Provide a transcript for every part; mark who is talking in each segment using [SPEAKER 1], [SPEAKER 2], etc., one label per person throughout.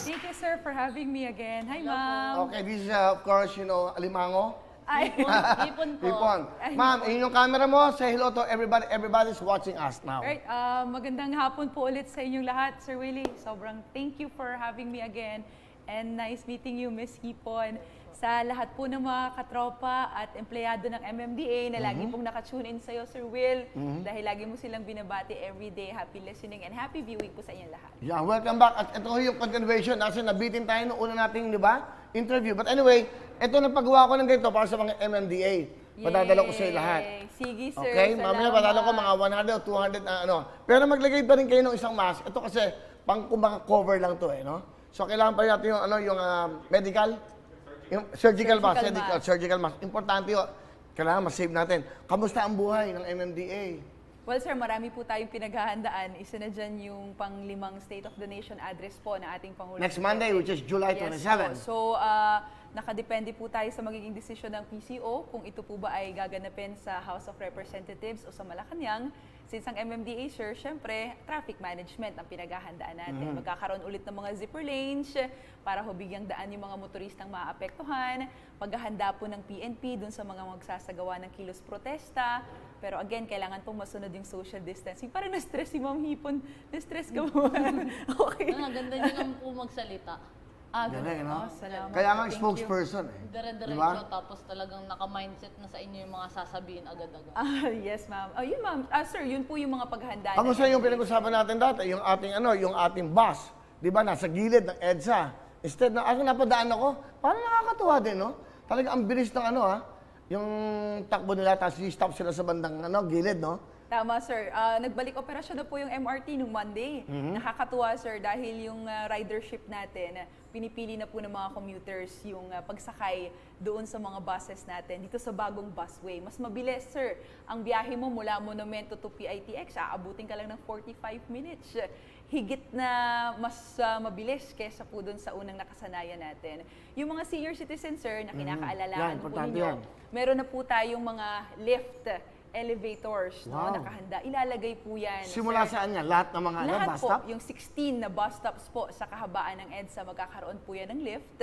[SPEAKER 1] Thank you, sir, for having me again. Hi, ma'am.
[SPEAKER 2] Okay, this is of course, Alimango.
[SPEAKER 1] Ay,
[SPEAKER 3] Ipon po.
[SPEAKER 2] Ipon. Ma'am, yun yung camera mo. Say hello to everybody. Everybody's watching us now.
[SPEAKER 1] Alright, magandang hapon po ulit sa inyong lahat, Sir Willie. Sobrang thank you for having me again. And nice meeting you, Miss Hipon. Sa lahat po ng mga katropa at empleyado ng MMDA na lagi pong nakatune in sa'yo, Sir Will. Dahil lagi mo silang binabati everyday. Happy listening and happy viewing po sa inyong lahat.
[SPEAKER 2] Yeah, welcome back. At ito yung continuation. Kasi nabitin tayo noong una nating, di ba, interview. But anyway, ito na paggawa ko ng ganito para sa mga MMDA. Padadala ko sa lahat.
[SPEAKER 1] Sige, sir.
[SPEAKER 2] Okay, mamaya padala ko mga 100 o 200 na ano. Pero maglagay pa rin kayo ng isang mask. Ito kasi pang kumbaga cover lang to no? So kailangan pa natin yung medical, yung surgical mask. Surgical mask. Importante yun. Kailangan ma-save natin. Kamusta ang buhay ng MMDA?
[SPEAKER 1] Well, sir, marami po tayong pinaghahandaan. Isa na dyan yung pang-limang State of the Nation address po na ating Pangulo.
[SPEAKER 2] Next Monday, which is July 27.
[SPEAKER 1] So, nakadepende po tayo sa magiging desisyon ng PCO kung ito po ba ay gaganapin sa House of Representatives o sa Malacanang. Since ang MMDA, sir, syempre, traffic management ang pinaghahandaan natin. Magkakaroon ulit ng mga zipper lanes para bigyang daan yung mga motoristang maapektuhan. Paghahanda po ng PNP dun sa mga magsasagawa ng kilos protesta. Pero again, kailangan pong masunod yung social distancing. Parang na-stress si Ma'am Hipon. Na-stress ka mo. Okay.
[SPEAKER 3] Ang ganda niyo naman po magsalita.
[SPEAKER 2] Galing, no?
[SPEAKER 1] Salamat.
[SPEAKER 2] Kaya nga
[SPEAKER 1] Thank you.
[SPEAKER 2] spokesperson.
[SPEAKER 3] Dire-diretso,
[SPEAKER 2] Diba?
[SPEAKER 3] tapos talagang naka-mindset na sa inyo yung mga sasabihin agad-agad.
[SPEAKER 1] Yes, ma'am. Oh, yun, ma'am. Sir, yun po yung mga paghahanda.
[SPEAKER 2] Kamusta yung pinag-usapan natin dati? Yung ating bus, di ba, nasa gilid ng EDSA. Instead na, napadaan ako, parang nakakatuwa din, no? Talaga ang bilis ng yung takbo nila, tapos i-stop sila sa bandang gilid, no?
[SPEAKER 1] Tama, sir. Nagbalik operasyon na po yung MRT nung Monday. Nakakatuwa, sir, dahil yung ridership natin, pinipili na po ng mga commuters yung pagsakay doon sa mga buses natin dito sa bagong busway. Mas mabilis, sir. Ang biyahe mo mula Monumento to PITX, aabutin ka lang ng 45 minutes. Higit na mas mabilis kesa po doon sa unang nakasanayan natin. Yung mga senior citizens, sir, na kinakaalalahan po ninyo, meron na po tayong mga lift elevators, no, nakahanda. Ilalagay po yan.
[SPEAKER 2] Simula saan yan? Lahat ng mga
[SPEAKER 1] Lahat
[SPEAKER 2] bus
[SPEAKER 1] po,
[SPEAKER 2] stop?
[SPEAKER 1] yung 16 na bus stops po sa kahabaan ng EDSA, magkakaroon po yan ng lift.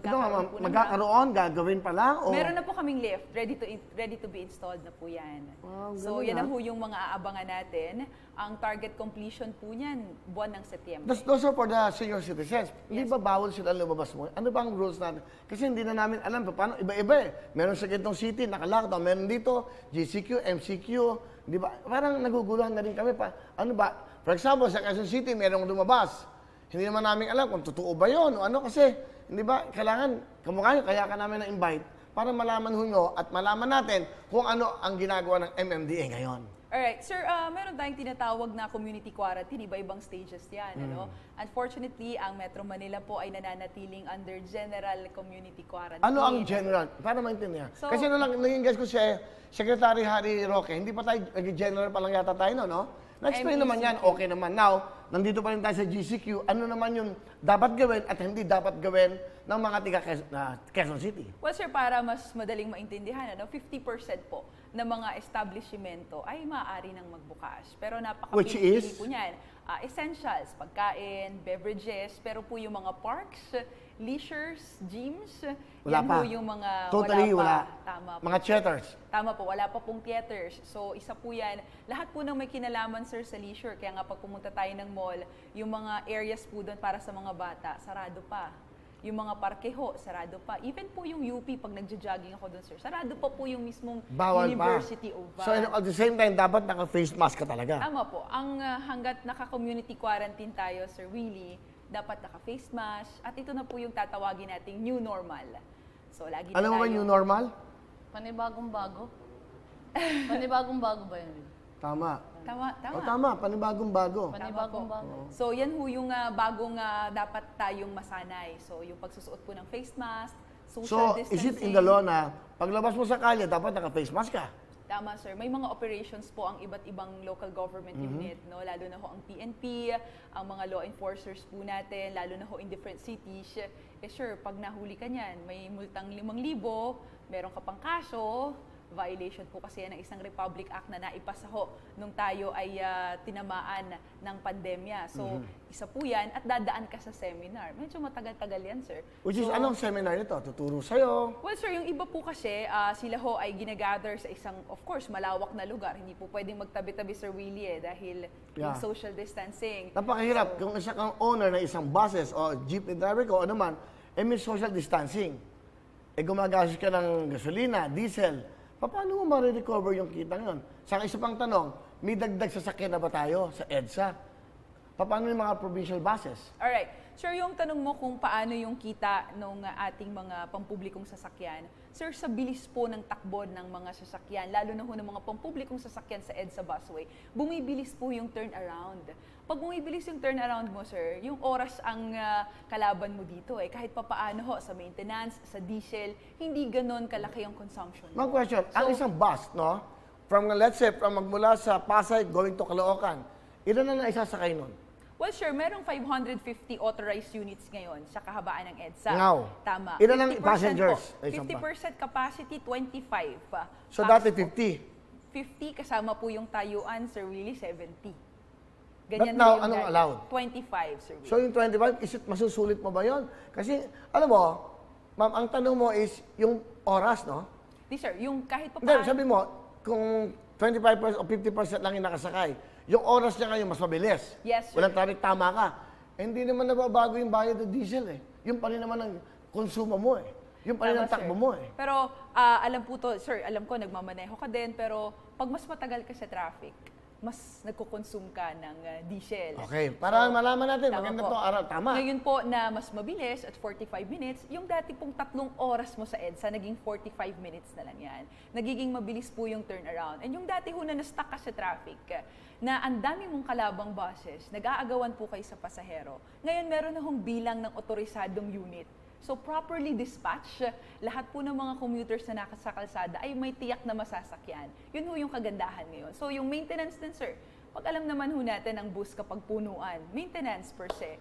[SPEAKER 2] Gagawin pa lang? O?
[SPEAKER 1] Meron na po kaming lift, ready to be installed na po yan. So yan na po yung mga aabangan natin. Ang target completion po niyan, buwan ng Setyembre.
[SPEAKER 2] Those are for the senior citizens. Hindi ba bawal sila lumabas mo? Ano ba ang rules natin? Kasi hindi na namin alam paano iba-iba eh. Meron sa Quezon City, naka-lockdown. Meron dito, GCQ, MCQ. Di ba? Parang naguguluhan na rin kami pa. Ano ba? For example, sa Quezon City, merong lumabas. Hindi naman namin alam kung totoo ba yun o ano kasi. Hindi ba? Kailangan, kamukha nyo, kaya ka namin na-invite para malaman nyo at malaman natin kung ano ang ginagawa ng MMDA ngayon.
[SPEAKER 1] Alright, sir, meron tayong tinatawag na community quarantine, iba-ibang stages yan. Ano? Unfortunately, ang Metro Manila po ay nananatiling under general community quarantine.
[SPEAKER 2] Ano ang general? Para maintindihan.
[SPEAKER 1] So,
[SPEAKER 2] kasi naging guess ko si Secretary Harry Roque, hindi pa tayo, general pa lang yata tayo, no? Na-explain naman yan, okay naman. Now, nandito pa rin tayo sa GCQ, ano naman yung dapat gawin at hindi dapat gawin ng mga tiga Quezon City?
[SPEAKER 1] Well, sir, para mas madaling maintindihan, 50% po ng mga establishmento ay maaari nang magbukas. Pero
[SPEAKER 2] Which
[SPEAKER 1] napakapili
[SPEAKER 2] is?
[SPEAKER 1] po niyan. Essentials, pagkain, beverages, pero po yung mga parks, leisures, gyms,
[SPEAKER 2] Wala
[SPEAKER 1] yan
[SPEAKER 2] pa.
[SPEAKER 1] po yung mga
[SPEAKER 2] Totally wala.
[SPEAKER 1] Tama po.
[SPEAKER 2] Mga theaters.
[SPEAKER 1] Tama po, wala pa pong theaters. So, isa po yan. Lahat po ng may kinalaman, sir, sa leisure. Kaya nga pag pumunta tayo ng mall, yung mga areas po doon para sa mga bata, sarado pa. Yung mga parkeho, sarado pa. Even po yung UP, pag nagja-jogging ako doon, sir, sarado pa po yung mismong
[SPEAKER 2] Bawal
[SPEAKER 1] University
[SPEAKER 2] pa.
[SPEAKER 1] of
[SPEAKER 2] So, at the same time, dapat naka-face mask ka talaga.
[SPEAKER 1] Tama po. Ang hanggat naka-community quarantine tayo, Sir Willie, dapat naka-face mask. At ito na po yung tatawagin nating new normal. So, lagi na
[SPEAKER 2] Alam mo ba
[SPEAKER 1] tayo-
[SPEAKER 2] new normal?
[SPEAKER 3] Panibagong-bago? Panibagong-bago ba yun?
[SPEAKER 2] Tama.
[SPEAKER 1] Tama, tama.
[SPEAKER 2] O tama, panibagong bago.
[SPEAKER 3] Panibagong-bago.
[SPEAKER 1] So, yan ho yung bagong dapat tayong masanay. So, yung pagsusuot po ng face mask, social
[SPEAKER 2] So, is
[SPEAKER 1] distancing.
[SPEAKER 2] it in the law na paglabas mo sa kalye, dapat naka-face mask ka?
[SPEAKER 1] Tama, sir. May mga operations po ang iba't ibang local government unit, no? Lalo na ho ang PNP, ang mga law enforcers po natin, lalo na ho in different cities. Sure, pag nahuli ka niyan, may multang 5,000, meron ka pang kaso, Violation po kasi yan ng isang Republic Act na naipasa ho nung tayo ay tinamaan ng pandemya. So, isa po yan at dadaan ka sa seminar. Medyo matagal-tagal yan, sir.
[SPEAKER 2] Which is,
[SPEAKER 1] So,
[SPEAKER 2] anong seminar nito? Tuturo sa'yo?
[SPEAKER 1] well, sir, yung iba po kasi, sila ho ay ginagather sa isang, of course, malawak na lugar. Hindi po pwedeng magtabi-tabi, Sir Willie, dahil yung
[SPEAKER 2] Yeah.
[SPEAKER 1] social distancing.
[SPEAKER 2] Napakahirap. Kung isa kang owner ng isang buses o jeepney driver ko, ano man, may social distancing. Gumagastos ka ng gasolina, diesel. Paano mo ma-recover yung kita ngayon? Sa isa pang tanong, may dagdag sasakyan na ba tayo sa EDSA? Paano yung mga provincial buses?
[SPEAKER 1] Alright. Sir, yung tanong mo kung paano yung kita ng ating mga pampublikong sasakyan, sir, sa bilis po ng takbo ng mga sasakyan, lalo na ho ng mga pampublikong sasakyan sa EDSA busway, bumibilis po yung turnaround. Pag bumibilis yung turnaround mo, sir, yung oras ang kalaban mo dito. Kahit papaano ho, sa maintenance, sa diesel, hindi ganon kalaki yung consumption
[SPEAKER 2] Mga
[SPEAKER 1] mo.
[SPEAKER 2] question, ang isang bus, no? From, let's say, magmula sa Pasay going to Caloocan, ilan na isasakay nun?
[SPEAKER 1] Well, sure, merong 550 authorized units ngayon sa kahabaan ng EDSA.
[SPEAKER 2] Ngaw.
[SPEAKER 1] Tama.
[SPEAKER 2] Ilan ang
[SPEAKER 1] 50%
[SPEAKER 2] passengers?
[SPEAKER 1] po.
[SPEAKER 2] Ay, isang
[SPEAKER 1] 50% capacity, 25.
[SPEAKER 2] So,
[SPEAKER 1] Pax
[SPEAKER 2] dati
[SPEAKER 1] po.
[SPEAKER 2] 50.
[SPEAKER 1] 50 kasama po yung tayuan, Sir Willie, 70.
[SPEAKER 2] But now,
[SPEAKER 1] po yung
[SPEAKER 2] anong
[SPEAKER 1] dati.
[SPEAKER 2] allowed?
[SPEAKER 1] 25, Sir Willie.
[SPEAKER 2] So, yung 25, is it masusulit mo ba yun? Kasi, alam mo, ma'am, ang tanong mo is yung oras, no?
[SPEAKER 1] Di, sir, yung kahit pa
[SPEAKER 2] Hindi, sabi mo, kung 25% o 50% lang yung nakasakay, yung oras niya ngayon mas mabilis.
[SPEAKER 1] Yes, sir.
[SPEAKER 2] Walang traffic, tama ka. Hindi naman nababago yung bayad ng diesel eh. Yung pa rin naman ang konsumo mo eh. Yung pa rin ang
[SPEAKER 1] Tama,
[SPEAKER 2] takbo
[SPEAKER 1] sir.
[SPEAKER 2] mo eh.
[SPEAKER 1] Pero alam po to, sir, alam ko nagmamaneho ka din, pero pag mas matagal ka sa traffic, mas nagko-consume ka ng diesel.
[SPEAKER 2] Okay, para malaman natin,
[SPEAKER 1] tama
[SPEAKER 2] maganda
[SPEAKER 1] po.
[SPEAKER 2] to araw. Tama.
[SPEAKER 1] Ngayon po na mas mabilis at 45 minutes, yung dati pong 3 oras mo sa EDSA, naging 45 minutes na lang yan. Nagiging mabilis po yung turnaround. And yung dati ho na na-stuck ka sa traffic, na ang dami mong kalabang buses, nag-aagawan po kayo sa pasahero. Ngayon meron na hong bilang ng otorisadong unit. So properly dispatch, lahat po ng mga commuters na nasa kalsada ay may tiyak na masasakyan. Yun ho yung kagandahan ngayon. So yung maintenance din, sir, pag alam naman ho natin ang bus kapag punuan, maintenance per se,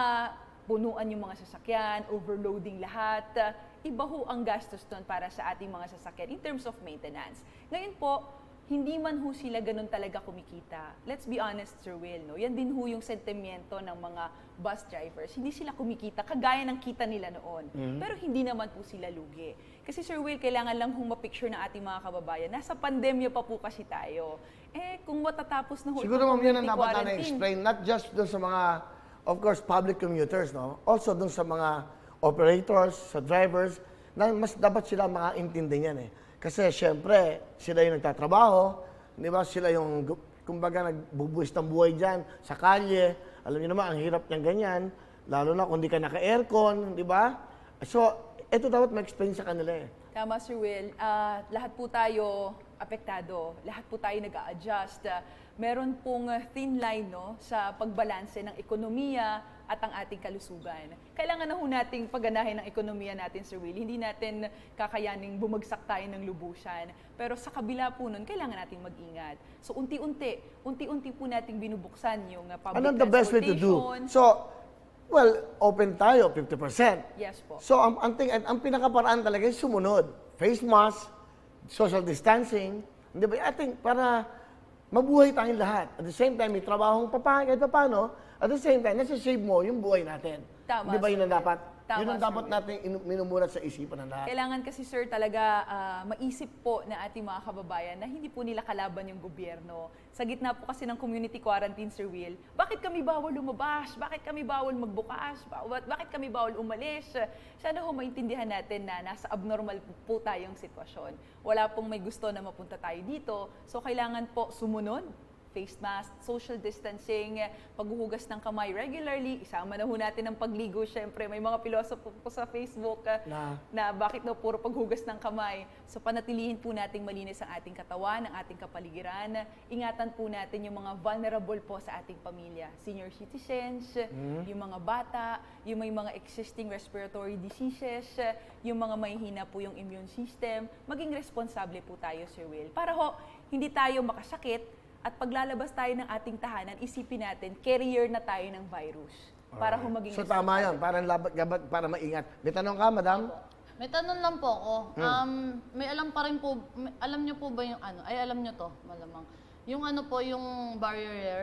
[SPEAKER 1] punuan yung mga sasakyan, overloading lahat, iba ho ang gastos doon para sa ating mga sasakyan in terms of maintenance. Ngayon po, hindi man ho sila ganun talaga kumikita. Let's be honest, Sir Will, no? Yan din ho yung sentimiento ng mga bus drivers. Hindi sila kumikita, kagaya ng kita nila noon. Pero hindi naman po sila lugi. Kasi Sir Will, kailangan lang hong ma-picture ng ating mga kababayan. Nasa pandemya pa po kasi tayo. Kung matatapos na ho
[SPEAKER 2] Siguro
[SPEAKER 1] itong
[SPEAKER 2] ma'am, yan ang
[SPEAKER 1] community
[SPEAKER 2] dapat na
[SPEAKER 1] quarantine,
[SPEAKER 2] explain not just doon sa mga, of course, public commuters, no? Also doon sa mga operators, sa drivers, na mas dapat sila makaintindi niyan eh. Kasi syempre, sila yung nagtatrabaho, di ba? Sila yung, kumbaga, nagbubuhis ng buhay dyan sa kalye. Alam niyo naman, ang hirap niyang ganyan, lalo na kung di ka naka-aircon, di ba? So, ito dapat ma-explain sa kanila eh.
[SPEAKER 1] Tama, Sir Will. Lahat po tayo apektado. Lahat po tayo nag-a-adjust. Meron pong thin line, no, sa pagbalanse ng ekonomiya at ang ating kalusugan. Kailangan na ho nating pagganahin ng ekonomiya natin, Sir Will. Hindi natin kakayaning bumagsak tayo ng lubusan. Pero sa kabila po nun, kailangan nating mag-ingat. So, unti-unti po nating binubuksan yung public
[SPEAKER 2] Anong the best way to do?
[SPEAKER 1] transportation.
[SPEAKER 2] So, well, open tayo, 50%.
[SPEAKER 1] Yes po.
[SPEAKER 2] So, ang pinakaparaan talaga is sumunod. Face mask, social distancing. Hindi ba? I think para mabuhay tayong lahat. At the same time, may trabahong kahit paano. At the same time, nasa-save mo yung buhay natin.
[SPEAKER 1] Tama,
[SPEAKER 2] Di ba yun ang
[SPEAKER 1] Sir Will.
[SPEAKER 2] dapat?
[SPEAKER 1] Tama,
[SPEAKER 2] Yun ang
[SPEAKER 1] Sir
[SPEAKER 2] dapat
[SPEAKER 1] Will.
[SPEAKER 2] natin minumulat sa isipan ng lahat.
[SPEAKER 1] Kailangan kasi, sir, talaga maisip po na ating mga kababayan na hindi po nila kalaban yung gobyerno. Sa gitna po kasi ng community quarantine, Sir Will, bakit kami bawal lumabas? Bakit kami bawal magbukas? Bakit kami bawal umalis? Sana ho maintindihan natin na nasa abnormal po tayong sitwasyon. Wala pong may gusto na mapunta tayo dito. So, kailangan po sumunod. Face mask, social distancing, paghuhugas ng kamay regularly, isama na ho natin ang pagligo. Siyempre, may mga pilosopo po sa Facebook na bakit daw puro paghugas ng kamay. So, panatilihin po nating malinis ang ating katawan, ang ating kapaligiran. Ingatan po natin yung mga vulnerable po sa ating pamilya. Senior citizens, yung mga bata, yung may mga existing respiratory diseases, yung mga mahihina po yung immune system. Maging responsable po tayo, Sir Will. Para ho, hindi tayo makasakit. At paglalabas tayo ng ating tahanan, isipin natin, carrier na tayo ng virus. Para humaging
[SPEAKER 2] So, tama yan. Para maingat. May tanong ka, madam?
[SPEAKER 3] May tanong lang po ako. May alam pa rin po, alam niyo po ba yung ano? Ay, alam niyo to, malamang. Yung ano po, yung barrier?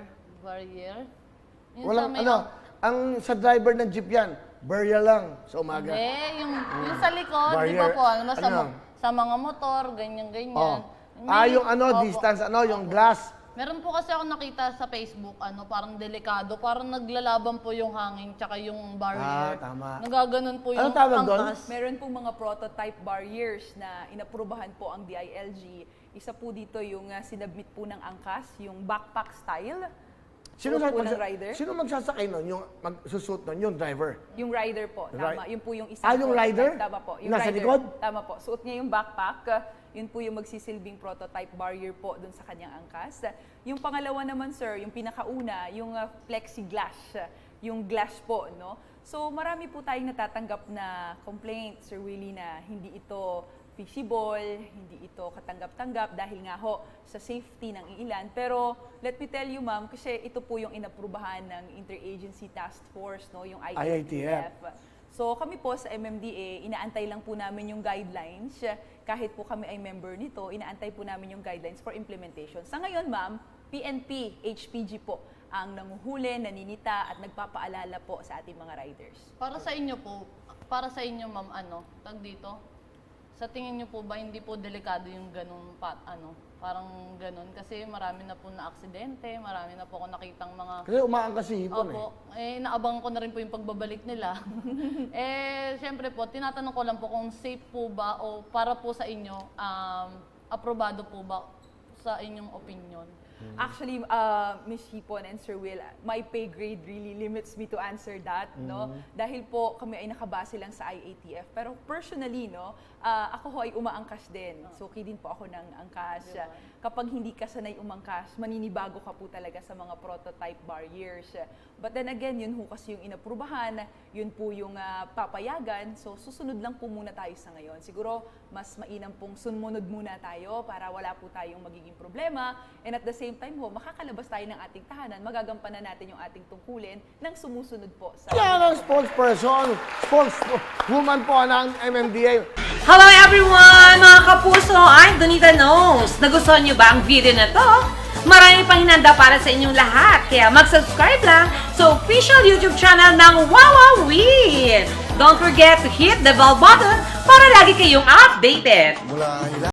[SPEAKER 3] Yung
[SPEAKER 2] Walang
[SPEAKER 3] may-
[SPEAKER 2] ang sa driver ng jeep yan, barrier lang sa umaga.
[SPEAKER 3] Hindi, yung sa likod, di ba
[SPEAKER 2] Barrier.
[SPEAKER 3] po, alam mo,
[SPEAKER 2] Ano?
[SPEAKER 3] sa mga motor, ganyan-ganyan.
[SPEAKER 2] Oh. Yung
[SPEAKER 3] Opo.
[SPEAKER 2] distance, yung glass.
[SPEAKER 3] Meron po kasi ako nakita sa Facebook, parang delikado, parang naglalaban po yung hangin tsaka yung barrier.
[SPEAKER 2] Tama.
[SPEAKER 3] Nagaganon po yung
[SPEAKER 2] Anong tawag doon?
[SPEAKER 3] angkas.
[SPEAKER 1] Meron pong mga prototype barriers na inaprubahan po ang DILG. Isa po dito yung sinabmit po ng angkas, yung backpack style.
[SPEAKER 2] Sino,
[SPEAKER 1] Suot po ng rider?
[SPEAKER 2] sino magsasakay nun? Yung magsusuot nun? Yung driver?
[SPEAKER 1] Yung rider po, tama. Yun po yung isang
[SPEAKER 2] Yung
[SPEAKER 1] prototype.
[SPEAKER 2] rider?
[SPEAKER 1] Tama po. Yung
[SPEAKER 2] Nasa
[SPEAKER 1] rider,
[SPEAKER 2] likod?
[SPEAKER 1] Tama po. Suot niya yung backpack. Yun po yung magsisilbing prototype barrier po dun sa kanyang angkas. Yung pangalawa naman, sir, yung pinakauna, yung plexiglass. Yung glass po, no? So, marami po tayong natatanggap na complaint, Sir Willie, na hindi ito feasible, hindi ito katanggap-tanggap dahil nga ho sa safety ng ilan. Pero let me tell you, ma'am, kasi ito po yung inaprubahan ng Interagency Task Force, no, yung IATF. So kami po sa MMDA, inaantay lang po namin yung guidelines. Kahit po kami ay member nito, inaantay po namin yung guidelines for implementation. Sa ngayon, ma'am, PNP, HPG po ang nanguhuli, naninita at nagpapaalala po sa ating mga riders.
[SPEAKER 3] Para sa inyo, ma'am, tag dito? Sa tingin niyo po ba hindi po delikado yung ganun parang ganun kasi marami na po na aksidente, marami na po ako nakitang mga
[SPEAKER 2] Kasi umaangkas si hipon
[SPEAKER 3] Opo, naabangan ko na rin po yung pagbabalik nila. Syempre po, tinatanong ko lang po kung safe po ba o para po sa inyo, aprobado po ba sa inyong opinion?
[SPEAKER 1] Actually, Ms. Hipon and Sir Will, my pay grade really limits me to answer that, no? Dahil po kami ay nakabase lang sa IATF. Pero personally, no, ako ho ay umaangkas din. Suki din po ako ng angkas. Kapag hindi ka sanay umangkas, maninibago ka po talaga sa mga prototype barriers. But then again, yun ho kasi yung inaprubahan, yun po yung papayagan. So, susunod lang po muna tayo sa ngayon. Siguro, mas mainam pong sumunod muna tayo para wala po tayong magiging problema. And at the same time ho, makakalabas tayo ng ating tahanan, magagampanan natin yung ating tungkulin ng sumusunod po sa...
[SPEAKER 2] Yan ang spokesperson, spokeswoman po ng MMDA.
[SPEAKER 4] Hello everyone! Mga kapuso, I'm Donita Knows. Nagustuhan niyo ba ang video na to? Marami pang hinanda para sa inyong lahat, kaya mag-subscribe lang sa official YouTube channel ng Wowowin! Don't forget to hit the bell button para lagi kayong updated.
[SPEAKER 2] Mula